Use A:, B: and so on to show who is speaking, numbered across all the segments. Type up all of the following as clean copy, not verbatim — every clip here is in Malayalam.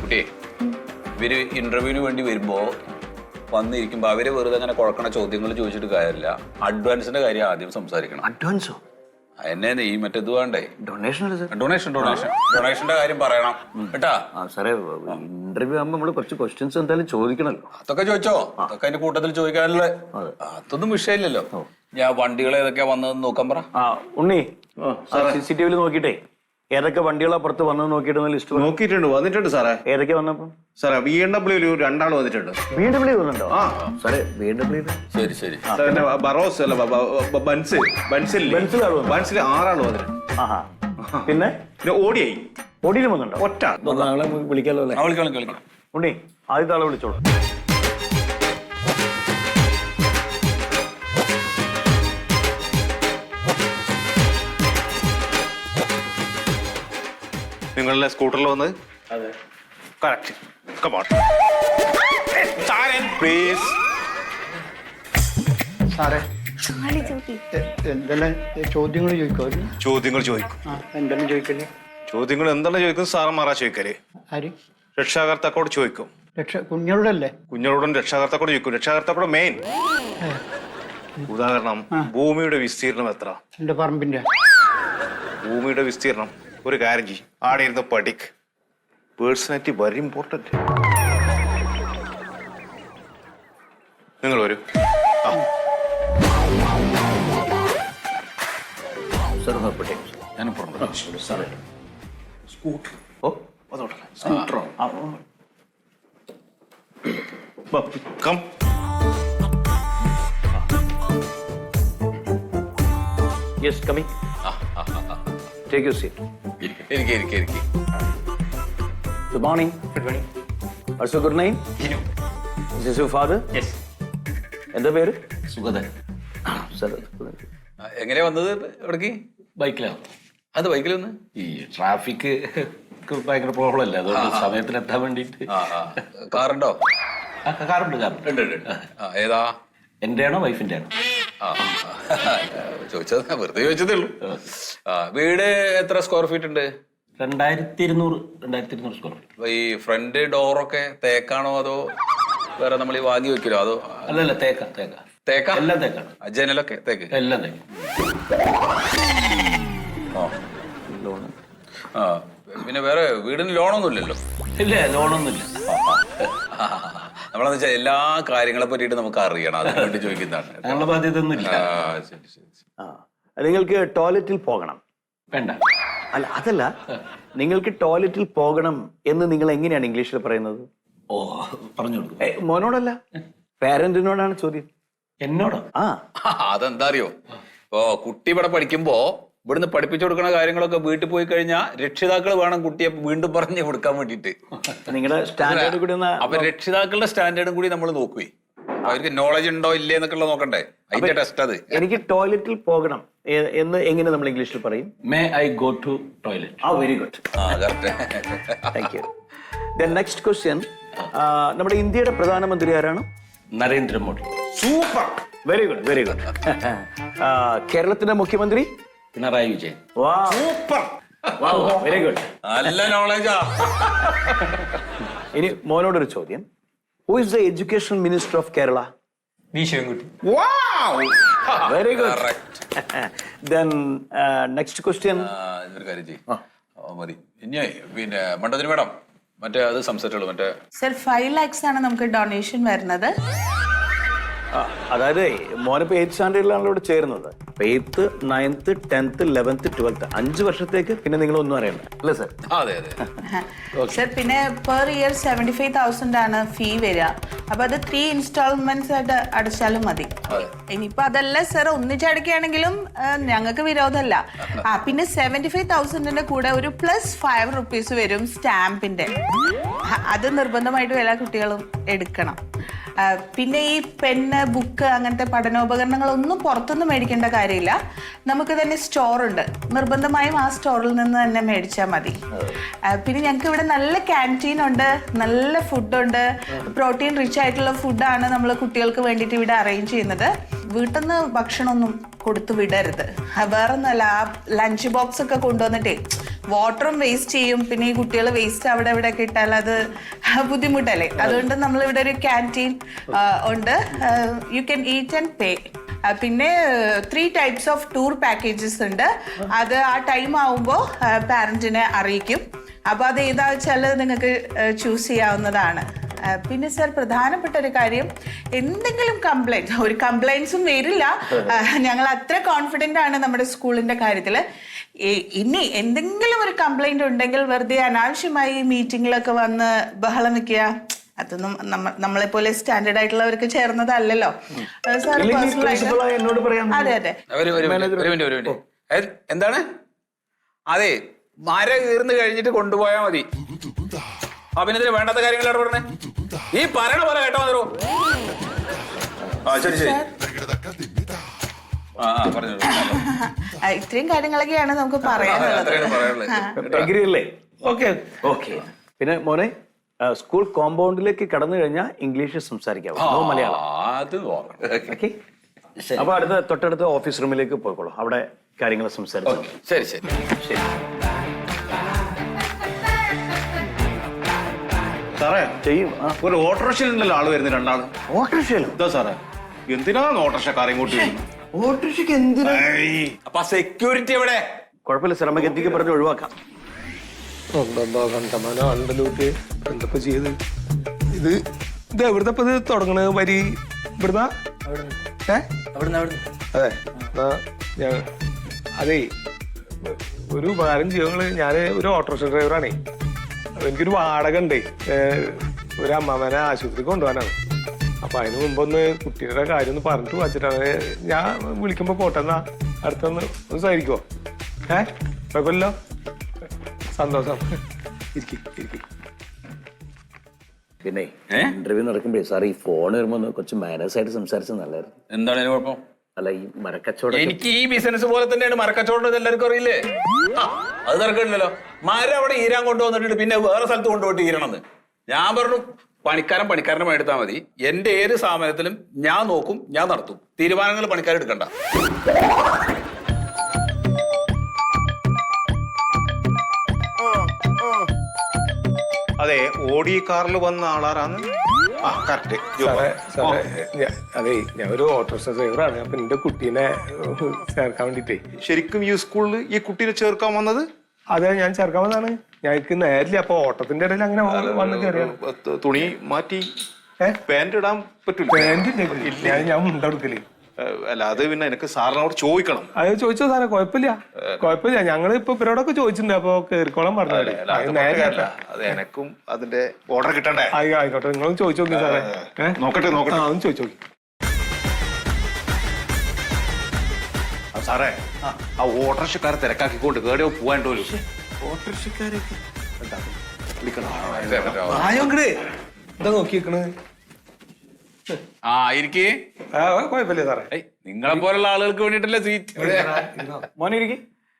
A: കുട്ടിയെ ഇവര് ഇന്റർവ്യൂവിന് വേണ്ടി വരുമ്പോ വന്നിരിക്കുമ്പോ അവര് വെറുതെ അങ്ങനെ കുഴക്കണ ചോദ്യങ്ങൾ ചോദിച്ചിട്ട് കാര്യമില്ല. അഡ്വാൻസിന്റെ കാര്യം ആദ്യം സംസാരിക്കണം.
B: അഡ്വാൻസോ?
A: എന്നെ ഈ മറ്റേത് വേണ്ടേ? ഡൊണേഷന്റെ കാര്യം പറയണം കേട്ടാ.
B: സാറേ, ഇന്റർവ്യൂ ആകുമ്പോ നമ്മള് കുറച്ച് ക്വസ്റ്റ്യൻസ് എന്തായാലും ചോദിക്കണല്ലോ.
A: അതൊക്കെ ചോദിച്ചോ, അതൊക്കെ അതിന്റെ കൂട്ടത്തിൽ ചോദിക്കാനുള്ള അതൊന്നും വിഷയമില്ലല്ലോ. ഞാൻ വണ്ടികൾ ഏതൊക്കെയാ വന്നതെന്ന് നോക്കാൻ പറ.
B: ഉണ്ണി, CCTV നോക്കിട്ടേ ഏതൊക്കെ വണ്ടികളാ പുറത്ത് വന്നത് നോക്കിയിട്ട് ലിസ്റ്റ്
C: നോക്കിയിട്ടുണ്ട്. വന്നിട്ടുണ്ട് സാറേ.
B: ഏതൊക്കെ വന്നപ്പോ?
C: സാറേ BMW 2 വന്നിട്ടുണ്ട്.
B: BMW വന്നിട്ടുണ്ടോ? സാറേ, BMW
A: ശരി ശരി.
C: ബറോസ് അല്ല, ബൻസിൽ 6 ആള് വന്നിട്ടുണ്ട്.
B: പിന്നെ ഓടിയിൽ വന്നിട്ടുണ്ടോ?
C: ഒറ്റ
B: നാളെ വിളിക്കാലോ അല്ലേ?
A: വിളിക്കാം.
B: ഉണ്ണി, ആദ്യത്തെ ആളെ വിളിച്ചോളൂ.
C: നിങ്ങളുടെ സ്കൂട്ടറിൽ വന്നത്?
B: അതെ,
C: കറക്റ്റ്. Come on. Please.
D: സാറേ, എന്തെല്ലാം ചോദ്യങ്ങൾ ചോദിക്കും?
C: ചോദ്യങ്ങൾ ചോദിക്കും.
D: എന്തെല്ലാം ചോദിക്കല്ലേ?
C: ചോദ്യങ്ങൾ എന്താണ് ചോദിക്കും? സാറന്മാരാ ചോദിക്കല്.
D: ആര്?
C: രക്ഷാകർത്താക്കോട് ചോദിക്കും.
D: കുഞ്ഞോടല്ലേ?
C: കുഞ്ഞോടും രക്ഷാകർത്താക്കോട് ചോദിക്കും. രക്ഷാകർത്താക്കോട് മെയിൻ. ഉദാഹരണം, ഭൂമിയുടെ വിസ്തീർണം എത്ര?
D: എന്റെ പറമ്പിന്റെ.
C: ഭൂമിയുടെ വിസ്തീർണം. ഒരു കാര്യം ചെയ്യും, ആടെ ഇരുന്ന് പഠിക്ക്. Personality very important. നിങ്ങൾ വരൂ.
A: ഞാൻ
C: സ്കൂട്ടർ. ഓ, അതോട്ടല്ല. സ്കൂട്ടറോ? Come.
B: Yes, coming. Take your seat.
A: ഇരിക്കെ.
B: Good morning.
D: Good morning.
B: What's your good name?
D: Hinu.
B: Is this your father?
D: Yes.
B: എന്താ പേര്?
E: സുഗതൻ.
A: എങ്ങനെയാ വന്നത് എവിടേക്ക്?
E: ബൈക്കിലാണ്.
A: അത് ബൈക്കിൽ വന്ന്
E: ഈ ട്രാഫിക് ഭയങ്കര പ്രോബ്ലം അല്ലേ, അതുകൊണ്ട് സമയത്തിന് എത്താൻ വേണ്ടിട്ട്.
A: കാറുണ്ടോ?
E: കാറുണ്ട്.
A: ഏതാ?
E: എന്റെ ആണോ വൈഫിന്റെ ആണോ?
A: ചോദിച്ചത് വെറുതെ ചോദിച്ചതേ ഉള്ളൂ. വീട് എത്ര സ്ക്വയർ ഫീറ്റ് ഉണ്ട്?
E: 2200 സ്ക്വയർ ഫീറ്റ്.
A: ഈ ഫ്രണ്ട് ഡോറൊക്കെ തേക്കാണോ അതോ വേറെ നമ്മൾ ഈ വാങ്ങി വെക്കലോ അതോ?
E: അല്ലല്ല, തേക്ക എല്ലാം തേക്കാണ്.
A: ജനലൊക്കെ തേക്ക്?
E: എല്ലാം തേക്ക്.
A: പിന്നെ വേറെ വീടിന് ലോണൊന്നും ഇല്ലല്ലോ?
E: ഇല്ല, ലോണൊന്നുമില്ല.
A: നമ്മളെന്ന് വെച്ചാൽ എല്ലാ കാര്യങ്ങളെ പറ്റിയിട്ട് നമുക്ക് അറിയണം, അതിന് വേണ്ടി ചോദിക്കുന്നതാണ്.
E: ഞങ്ങളുടെ ബാധ്യത ഒന്നും ഇല്ല.
A: ശരി.
B: നിങ്ങൾക്ക് ടോയ്ലറ്റിൽ പോകണം?
E: വേണ്ട.
B: അല്ല, അതല്ല, നിങ്ങൾക്ക് ടോയ്ലറ്റിൽ പോകണം എന്ന് നിങ്ങൾ എങ്ങനെയാണ് ഇംഗ്ലീഷിൽ പറയുന്നത്?
E: ഓ, പറഞ്ഞു കൊടുക്കും.
B: മോനോടല്ല, പാരന്റിനോടാണ് ചോദ്യം.
E: എന്നോടോ?
A: അതെന്താ അറിയോ, ഇപ്പൊ കുട്ടി ഇവിടെ പഠിക്കുമ്പോ ഇവിടുന്ന് പഠിപ്പിച്ചു കൊടുക്കുന്ന കാര്യങ്ങളൊക്കെ വീട്ടിൽ പോയി കഴിഞ്ഞാൽ രക്ഷിതാക്കൾ വേണം കുട്ടിയെ വീണ്ടും പറഞ്ഞു കൊടുക്കാൻ വേണ്ടിട്ട്.
B: നിങ്ങളുടെ സ്റ്റാൻഡേർഡ് കൂടി
A: അപ്പൊ രക്ഷിതാക്കളുടെ സ്റ്റാൻഡേർഡും കൂടി നമ്മൾ നോക്കുവേ. അവർക്ക് നോളജ് ഉണ്ടോ ഇല്ലേ എന്നൊക്കെ നോക്കണ്ടേ, അതിന്റെ ടെസ്റ്റ് അത്.
B: എനിക്ക് ടോയ്ലറ്റിൽ പോകണം എന്ന് എങ്ങനെ നമ്മൾ ഇംഗ്ലീഷിൽ പറയും?
E: May I go to toilet.
B: Very good. Thank you. Next question, നമ്മുടെ ഇന്ത്യയുടെ പ്രധാനമന്ത്രി ആരാണ്?
E: നരേന്ദ്രമോദി.
C: സൂപ്പർ.
B: Very good. കേരളത്തിന്റെ മുഖ്യമന്ത്രി?
E: Pinarayi Vijayan.
C: Super.
B: Very good.
A: നല്ല നോളജാ.
B: ഇനി മോനോടൊരു ചോദ്യം. Who is the education minister of Kerala?
D: V Sivankutty.
B: Very good. Then next question.
A: ഇതൊരു കാര്യം ചെയ്യും മതി. ഇനി പിന്നെ മണ്ടത്തിന് മേഡം മറ്റേ അത് സംസാരിച്ചോളൂ. മറ്റേ
F: സർ 5 lakhs ആണ് നമുക്ക് ഡൊണേഷൻ വരുന്നത്.
B: അതായത് മോനിപ്പോ 8th സ്റ്റാൻഡേർഡിലാണല്ലോ ഇവിടെ ചേരുന്നത്. 8th, 9th, 10th, 11th, 12th 5 വർഷത്തേക്ക് പിന്നെ നിങ്ങൾ ഒന്നും അറിയണ്ട അല്ലേ സർ?
A: അതെ.
F: സർ പിന്നെ പെർ ഇയർ 75,000 ആണ് ഫീ വരിക. അപ്പൊ അത് 3 ഇൻസ്റ്റാൾമെന്റ്സ് ആയിട്ട് അടച്ചാലും മതി. ഇനിയിപ്പോ അതല്ല സർ, ഒന്നിച്ചടക്കുകയാണെങ്കിലും ഞങ്ങൾക്ക് വിരോധമല്ല. പിന്നെ 75,000ന്റെ കൂടെ ഒരു +5 വരും സ്റ്റാമ്പിന്റെ. അത് നിർബന്ധമായിട്ടും എല്ലാ കുട്ടികളും എടുക്കണം. പിന്നെ ഈ പെന്ന്, ബുക്ക്, അങ്ങനത്തെ പഠനോപകരണങ്ങളൊന്നും പുറത്തുനിന്ന് മേടിക്കേണ്ട കാര്യമില്ല. നമുക്ക് തന്നെ സ്റ്റോർ ഉണ്ട്, നിർബന്ധമായും ആ സ്റ്റോറിൽ നിന്ന് തന്നെ മേടിച്ചാൽ മതി. പിന്നെ ഞങ്ങൾക്ക് ഇവിടെ നല്ല ക്യാൻറ്റീൻ ഉണ്ട്, നല്ല ഫുഡുണ്ട്, പ്രോട്ടീൻ റിച്ച് ആയിട്ടുള്ള ഫുഡാണ് നമ്മൾ കുട്ടികൾക്ക് വേണ്ടിയിട്ട് ഇവിടെ അറേഞ്ച് ചെയ്യുന്നത്. വീട്ടിൽ നിന്ന് ഭക്ഷണമൊന്നും കൊടുത്തു വിടരുത്. വേറെ ഒന്നല്ല, ആ ലഞ്ച് ബോക്സ് ഒക്കെ കൊണ്ടുവന്നിട്ടേ വാട്ടറും വേസ്റ്റ് ചെയ്യും. പിന്നെ ഈ കുട്ടികൾ വേസ്റ്റ് അവിടെ ഇവിടെ ഒക്കെ ഇട്ടാൽ അത് ബുദ്ധിമുട്ടല്ലേ. അതുകൊണ്ട് നമ്മളിവിടെ ഒരു ക്യാൻറ്റീൻ ഉണ്ട്. You can eat and pay. പിന്നെ 3 ടൈപ്സ് ഓഫ് ടൂർ പാക്കേജസ് ഉണ്ട്. അത് ആ ടൈം ആവുമ്പോൾ പാരന്റിനെ അറിയിക്കും. അപ്പോൾ അത് ഏതാ വെച്ചാൽ നിങ്ങൾക്ക് ചൂസ് ചെയ്യാവുന്നതാണ്. പിന്നെ സർ, പ്രധാനപ്പെട്ട ഒരു കാര്യം, എന്തെങ്കിലും കംപ്ലൈൻറ്റ്, ഒരു കംപ്ലൈൻസും വരില്ല. ഞങ്ങൾ അത്ര കോൺഫിഡൻ്റ് ആണ് നമ്മുടെ സ്കൂളിൻ്റെ കാര്യത്തിൽ. ഇനി എന്തെങ്കിലും ഒരു കംപ്ലൈൻറ്റ് ഉണ്ടെങ്കിൽ വെറുതെ അനാവശ്യമായി മീറ്റിങ്ങിലൊക്കെ വന്ന് ബഹളം വെക്കുക, അതൊന്നും നമ്മളെ പോലെ സ്റ്റാൻഡേർഡ് ആയിട്ടുള്ളവർക്ക് ചേർന്നതല്ലല്ലോ. സാർ പേഴ്സണലായിട്ട്
B: എന്നോട് പറയാം.
F: അതെ അതെ.
A: ഒരു മിനിറ്റ്. എന്താണ്? അതെ, മര കീർന്ന് കഴിഞ്ഞിട്ട് കൊണ്ടുപോയാൽ മതി. അഭിനന്ദന് വേണ്ടാത്ത കാര്യങ്ങളാണ് പറഞ്ഞേ. ഈ പറയണ പോലെ കേട്ടോ മതിരോ. ശരി ശരി. പറഞ്ഞു.
F: ഇത്രയും കാര്യങ്ങളൊക്കെയാണ് നമുക്ക് പറയാനുള്ളത്.
B: അഗ്രി അല്ലേ? Okay okay. പിന്നെ മോനെ, സ്കൂൾ കോമ്പൗണ്ടിലേക്ക് കടന്നു കഴിഞ്ഞാൽ ഇംഗ്ലീഷ് സംസാരിക്കാവോ, മലയാളം?
A: അത്
B: ഓക്കെ. അപ്പൊ തൊട്ടടുത്ത ഓഫീസ് റൂമിലേക്ക് പോയിക്കോളൂ, അവിടെ കാര്യങ്ങൾ സംസാരിച്ചു.
A: ശരി ശരി
B: ശരി.
C: സാറേ
B: ചെയ്യും.
C: ഒരു ഓട്ടോറിക്ഷയിലുണ്ടല്ലോ ആള് വരുന്നത്, രണ്ടാള്.
B: ഓട്ടോറിക്ഷയിലും?
C: എന്താ സാറേ, എന്തിനാണ് ഓട്ടോറിക്ഷക്കാരെ ഇങ്ങോട്ട്
B: ഓട്ടോറിക്ഷയ്ക്ക് എന്തിനാ?
A: അപ്പൊ സെക്യൂരിറ്റി എവിടെ?
B: കുഴപ്പമില്ല സാർ, നമുക്ക് എന്തൊക്കെ പറഞ്ഞ് ഒഴിവാക്കാം.
G: കണ്ടമാനാണ്ടല്ലോട്ട് എന്തൊക്കെ ചെയ്ത് ഇത് എവിടുത്തെ ഇത് തുടങ്ങണത്? വരി ഇവിടുന്ന? അതെ. അതേ, ഒരു ഉപകാരം ചെയ്യുന്നത്, ഞാൻ ഒരു ഓട്ടോറിക്ഷ ഡ്രൈവറാണേ. എനിക്കൊരു വാടക ഉണ്ടേ, ഒരു അമ്മാമനെ ആശുപത്രിക്ക് കൊണ്ടുപോകാനാണ്. അപ്പൊ അതിന് മുമ്പൊന്ന് കുട്ടിയുടെ കാര്യം ഒന്ന് പറഞ്ഞിട്ട് വച്ചിട്ടാണ് ഞാൻ വിളിക്കുമ്പോ. പോട്ടെന്നാ അടുത്തൊന്ന് സഹകരിക്കുവോ? കുഴപ്പമില്ലല്ലോ. സന്തോഷം. ഇരിക്കും.
B: പിന്നെ ഇന്റർവ്യൂ നടക്കുമ്പോഴേ സാർ ഈ ഫോൺ വരുമ്പോ കുറച്ച് മാനേഴ്സ് ആയിട്ട് സംസാരിച്ചത് നല്ലതായിരുന്നു.
A: എന്താണ് അതിന് കുഴപ്പം?
B: അല്ല, ഈ മരക്കച്ചവടം
A: എനിക്ക് ഈ ബിസിനസ് പോലെ തന്നെയാണ് മരക്കച്ചവടം, എല്ലാവർക്കും അറിയില്ലേ? അത് തിരക്കില്ലല്ലോ. മരം അവിടെ ഈരാൻ കൊണ്ടുവന്നിട്ട് പിന്നെ വേറെ സ്ഥലത്ത് കൊണ്ടുപോയിട്ട് ഈരണമെന്ന് ഞാൻ പറഞ്ഞു. പണിക്കാരനെ എടുത്താൽ മതി. എന്റെ ഏത് സ്ഥാപനത്തിലും ഞാൻ നോക്കും, ഞാൻ നടത്തും. തീരുമാനങ്ങൾ പണിക്കാരെടുക്കണ്ട.
C: അതെ, ഓടി കാറിൽ വന്ന ആളാരാണ്?
G: അതെ, ഞാൻ ഒരു ഓട്ടോറിക്ഷ ഡ്രൈവറാണ്. അപ്പൊ എന്റെ കുട്ടീനെ ചേർക്കാൻ വേണ്ടിട്ടേ.
C: ശരിക്കും ഈ സ്കൂളിൽ ഈ കുട്ടീനെ ചേർക്കാൻ വന്നത്?
G: അതെ, ഞാൻ ചേർക്കാൻ വന്നതാണ്. ഞങ്ങൾക്ക് നേരില്ല. അപ്പൊ ഓട്ടത്തിന്റെ ഇടയിൽ അങ്ങനെ വന്ന് കയറിയാണ്.
C: തുണി മാറ്റി പാന്റ് ഇടാൻ പറ്റില്ല?
G: പാന്റ് ഞാൻ മുണ്ടെടുക്കല്.
C: അല്ല, അത് പിന്നെ എനിക്ക് സാറിനോട് ചോദിക്കണം.
G: അത് ചോദിച്ചോ സാറേ, കുഴപ്പമില്ല. ഞങ്ങൾ ഇപ്പൊ ഇവരോടൊക്കെ ചോദിച്ചിട്ടുണ്ട്. അപ്പൊ കേറിക്കോളം പറഞ്ഞു.
C: അത് എനക്കും അതിന്റെ ഓർഡർ കിട്ടണ്ടേ?
G: ആയിക്കോട്ടെ, നിങ്ങളും ചോദിച്ചു നോക്കി സാറേ.
C: നോക്കട്ടെ.
G: അതൊന്നും ചോദിച്ചു നോക്കി.
C: സാറേ, ആ ഓട്ടോറിക്ഷക്കാരെ തിരക്കാക്കിക്കൊണ്ട് കേടിയോ പോവാണ്ടോ?
G: ഓട്ടോറിക്ഷക്കാരൊക്കെ
A: എന്താ
G: നോക്കിയേക്കണ്?
A: ഇരിക്കേ.
G: കുഴപ്പമില്ല സാറേ.
A: നിങ്ങളെ പോലുള്ള ആളുകൾക്ക് വേണ്ടിട്ടല്ലേ സീറ്റ്.
B: മോനെ ഇരിക്കും.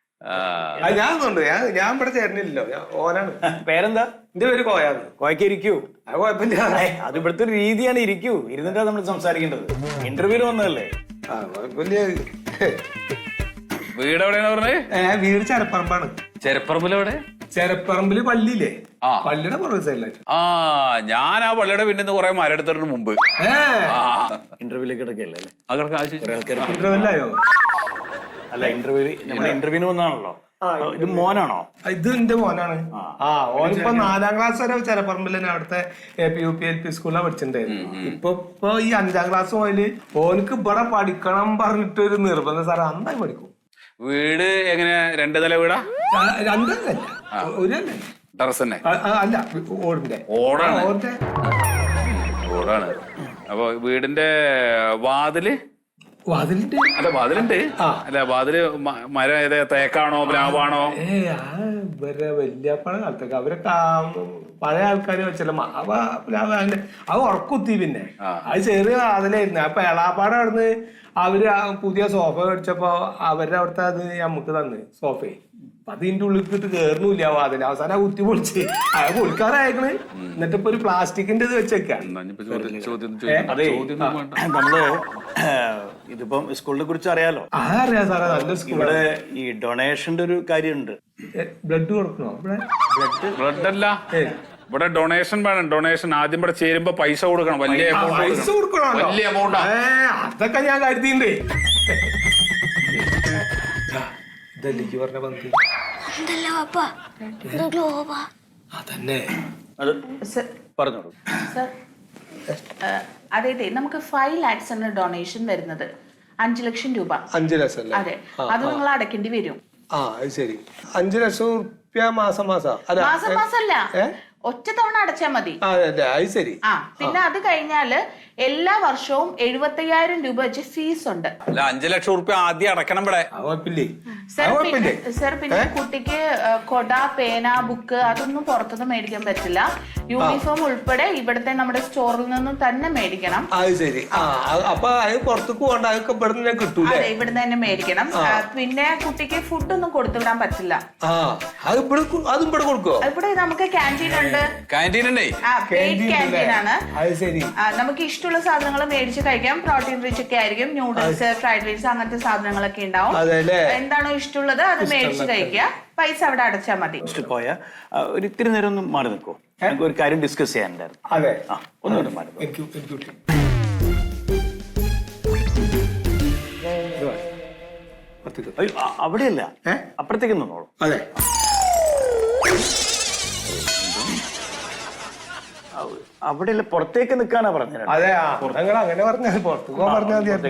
G: ഞാൻ ഇവിടെ ചേരുന്നില്ലല്ലോ. ഓനാണ്.
B: പേരെന്താ?
G: എന്റെ പേര് കോയാണ്.
B: കോയക്ക് ഇരിക്കൂ.
G: അത് കുഴപ്പമില്ല.
B: അത് ഇവിടുത്തെ ഒരു രീതിയാണ്. ഇരിക്കൂ. ഇരുന്നിട്ടാണ് നമ്മൾ സംസാരിക്കേണ്ടത്. ഇന്റർവ്യൂല് വന്നതല്ലേ?
G: കുഴപ്പമില്ല.
A: വീട് എവിടെയാണ് പറഞ്ഞത്?
G: വീട് ചെരപ്പറമ്പാണ്.
A: ചെരപ്പറമ്പിലെവിടെ?
G: ചെരപ്പറമ്പില് പള്ളിയില്ലേ? പള്ളിയുടെ പുറകെ സൈഡിലായിട്ട്.
A: ഞാൻ ആ പള്ളിയുടെ പിന്നെ കുറെ മരെടുത്തതിന് മുമ്പ്
B: ഇന്റർവ്യൂലേക്ക് കിടക്കല്ലേ?
G: ഇന്റർവ്യൂലായോ?
B: അല്ല, ഇന്റർവ്യൂവിന് വന്നാണല്ലോ. ഇത് മോനാണോ?
G: ഇത് എന്റെ മോനാണ്. ഓനിപ്പോ 4ാം ക്ലാസ് വരെ ചെരപ്പറമ്പിൽ തന്നെ അവിടുത്തെ APUP സ്കൂളിലാണ് പഠിച്ചിട്ടുണ്ടായിരുന്നു. ഇപ്പൊ ഈ 5ാം ക്ലാസ് മുതല് ഓനക്ക് ഇവിടെ പഠിക്കണം പറഞ്ഞിട്ടൊരു നിർബന്ധം. സാറേ, നന്നായി പഠിക്കും.
A: വീട് എങ്ങനെ? 2 നില വീടാ?
G: 2 നില, 1 നില.
A: ടെറസ് തന്നെ?
G: അല്ല, ഓടിന്റെ.
A: ഓടാണ്. അപ്പൊ വീടിന്റെ വാതിലുണ്ട്. അല്ല, വാതില് മരം ഏതാ? തേക്കാണോ പ്ലാവാണോ?
G: ഇവരെ വല്യപ്പഴ കാലത്തൊക്കെ അവരൊക്കെ പഴയ ആൾക്കാര് വെച്ചല്ല പ്ലാവ്. അത് ഉറക്കുത്തി. പിന്നെ അത് ചെറിയ വാതിലായിരുന്നു. അപ്പൊ എളാപ്പാടെ അവിടുന്ന് അവര് പുതിയ സോഫ മേടിച്ചപ്പോ അവരുടെ അവിടുത്തെ അത് നമുക്ക് തന്ന് സോഫയെ. അപ്പൊ അതിന്റെ ഉള്ളിൽ ഇട്ട് കേറുന്നില്ല വാതിൽ. അവസാനം കുത്തി പൊളിച്ച് അത് പൊളിക്കാറായേക്കണ്. എന്നിട്ട് ഇപ്പൊ ഒരു പ്ലാസ്റ്റിക്കിന്റെ ഇത് വെച്ചേക്കാം.
B: അതെ, നമ്മള് ഇതിപ്പം സ്കൂളിനെ കുറിച്ച് അറിയാലോ.
G: അറിയാം സാറേ, നല്ല സ്കൂൾ.
B: ഇവിടെ ഈ ഡൊണേഷന്റെ ഒരു കാര്യമുണ്ട്.
G: ബ്ലഡ് കൊടുക്കണോ ഇവിടെ?
A: ബ്ലഡ് അല്ല, ഇവിടെ ഡൊണേഷൻ വേണം. ഡൊണേഷൻ ആദ്യം ഇവിടെ ചേരുമ്പോ പൈസ കൊടുക്കണം. വലിയ
G: പൈസ കൊടുക്കണോ?
A: വലിയ എമൗണ്ട്.
G: അതൊക്കെ ഞാൻ കരുതിണ്ടേ. ഇതല്ലേ പറഞ്ഞ പന്ത്? അതന്നെ.
B: അത്
F: സർ
B: പറഞ്ഞോളൂ.
F: സർ അതെ നമുക്ക് 5 lakhs ആണ് ഡൊണേഷൻ വരുന്നത്. 5 ലക്ഷം രൂപ.
G: 5 ലക്ഷം അല്ലേ?
F: അതെ, അത് നിങ്ങൾ അടയ്ക്കേണ്ടി വരും.
G: അത് ശരി. 5 ലക്ഷം റുപ്യ മാസം
F: മാസം മാസമല്ല, ഒറ്റ തവണ അടച്ചാൽ മതി.
G: അതെ അത് ശരി.
F: പിന്നെ അത് കഴിഞ്ഞാല് എല്ലാ വർഷവും 75,000 രൂപ വെച്ച് ഫീസ് ഉണ്ട്.
A: അല്ല, 5 ലക്ഷം റുപ്യ ആദ്യം അടക്കണം ഇവിടെ.
G: കുഴപ്പമില്ലേ?
F: സർ പിന്നെ കുട്ടിക്ക് കൊട, പേന, ബുക്ക് അതൊന്നും പുറത്തുനിന്ന് മേടിക്കാൻ പറ്റില്ല. യൂണിഫോം ഉൾപ്പെടെ ഇവിടുത്തെ നമ്മുടെ സ്റ്റോറിൽ നിന്നും തന്നെ മേടിക്കണം.
G: അത് ശരി. അപ്പൊ അത് പുറത്തേക്ക് പോകണ്ട, അതൊക്കെ ഇവിടെ തന്നെ കിട്ടൂലേ?
F: അതെ, ഇവിടുന്ന് തന്നെ മേടിക്കണം. പിന്നെ കുട്ടിക്ക് ഫുഡൊന്നും കൊടുത്തുവിടാൻ പറ്റില്ല.
G: അതും ഇവിടെ കൊടുക്കോ?
F: ഇവിടെ നമുക്ക് ക്യാൻറ്റീൻ ഉണ്ട്.
A: ക്യാൻറ്റീൻ ഉണ്ടേ.
F: പെയ്ഡ് ക്യാൻറ്റീൻ ആണ്.
G: അത് ശരി.
F: നമുക്ക് ഇഷ്ടമുള്ള സാധനങ്ങൾ മേടിച്ച് കഴിക്കാം. പ്രോട്ടീൻ റിച്ച് ഒക്കെ ആയിരിക്കും. ന്യൂഡിൽസ്, ഫ്രൈഡ് റൈസ് അങ്ങനത്തെ സാധനങ്ങളൊക്കെ ഉണ്ടാവും. എന്താണോ ഇഷ്ടമുള്ളത് അത് മേടിച്ച് കഴിക്കുക. പൈസ അവിടെ അടച്ചാൽ മതി.
B: പോയ ഒരു ഇത്തിരി നേരം ഒന്ന് മാറി നിൽക്കോ, നമുക്ക് ഒരു കാര്യം ഡിസ്കസ് ചെയ്യാനുണ്ടായിരുന്നു.
G: അതെ,
B: ഒന്നുകൂടെ മാറി. അവിടെയല്ല, അപ്പുറത്തേക്ക് നിന്നോളൂ.
G: അതെ,
B: അവിടെയല്ല, പുറത്തേക്ക് നിൽക്കാനാ പറഞ്ഞത്.
G: അതെ. അങ്ങനെ പറഞ്ഞാൽ പുറത്തേക്ക് പോകാൻ പറഞ്ഞാൽ മതി.